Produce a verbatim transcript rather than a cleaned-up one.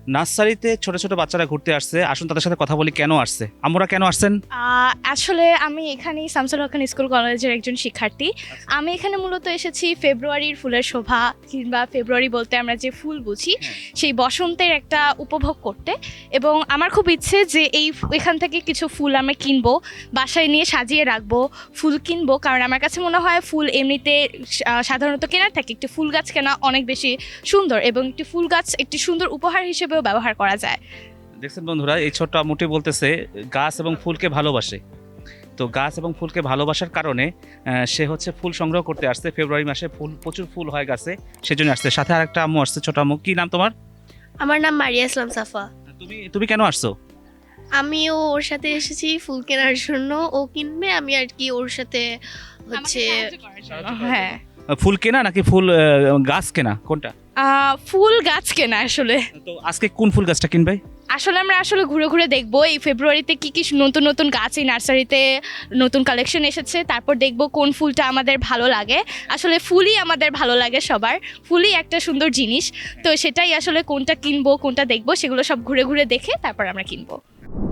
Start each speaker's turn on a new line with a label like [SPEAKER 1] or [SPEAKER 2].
[SPEAKER 1] নার্সারিতে ছোট ছোট বাচ্চারা ঘুরতে আসছে, আসুন তাদের সাথে কথা বলি কেন আসছে। আমরা কেন আসছেন?
[SPEAKER 2] আহ, আসলে আমি এখানেই শামসুল হক খান স্কুল কলেজের একজন শিক্ষার্থী। আমি এখানে মূলত এসেছি ফেব্রুয়ারির ফুলের শোভা, কিংবা ফেব্রুয়ারি বলতে আমরা যে ফুল বুঝি সেই বসন্তের একটা উপভোগ করতে। এবং আমার খুব ইচ্ছে যে এই এখান থেকে কিছু ফুল আমি কিনবো, বাসায় নিয়ে সাজিয়ে রাখবো, ফুল কিনবো। কারণ আমার কাছে মনে হয় ফুল এমনিতে আহ, সাধারণত কেনার থাকে, একটি ফুল গাছ কেনা অনেক বেশি সুন্দর, এবং একটি ফুল গাছ একটি সুন্দর উপহার হিসেবেও ব্যবহার করা যায়।
[SPEAKER 1] দেখছেন বন্ধুরা, এই ছোট্ট আম্মুটি বলতেছে গাছ এবং ফুলকে ভালোবাসে। তো গাছ এবং ফুলকে ভালোবাসার কারণে আহ, সে হচ্ছে ফুল সংগ্রহ করতে আসছে। ফেব্রুয়ারি মাসে ফুল প্রচুর ফুল হয় গাছে, সেজন্য আসছে। সাথে আরেকটা আম্মু আসছে, ছোট আম্মু। কি নাম তোমার?
[SPEAKER 3] আমার নাম মারিয়া ইসলাম সাফা।
[SPEAKER 1] তুমি তুমি কেন আসছো?
[SPEAKER 3] আমিও ওর সাথে এসেছি ফুল কেনার জন্য। ও কিনবে, আমি আর কি ওর সাথে হচ্ছে
[SPEAKER 2] হ্যাঁ,
[SPEAKER 1] ফুল কেনা নাকি ফুল আহ, গাছ কেনা, কোনটা?
[SPEAKER 2] আহ, ফুল গাছ কেনা আসলে।
[SPEAKER 1] তো আজকে কোন ফুল গাছটা কিনবে?
[SPEAKER 2] আসলে আমরা আসলে ঘুরে ঘুরে দেখবো এই ফেব্রুয়ারিতে কি কি নতুন নতুন গাছ এই নার্সারিতে নতুন কালেকশন এসেছে, তারপর দেখবো কোন ফুলটা আমাদের ভালো লাগে। আসলে ফুলই আমাদের ভালো লাগে সবার, ফুলই একটা সুন্দর জিনিস। তো সেটাই আসলে কোনটা কিনবো কোনটা দেখবো সেগুলো সব ঘুরে ঘুরে দেখে তারপর আমরা কিনবো।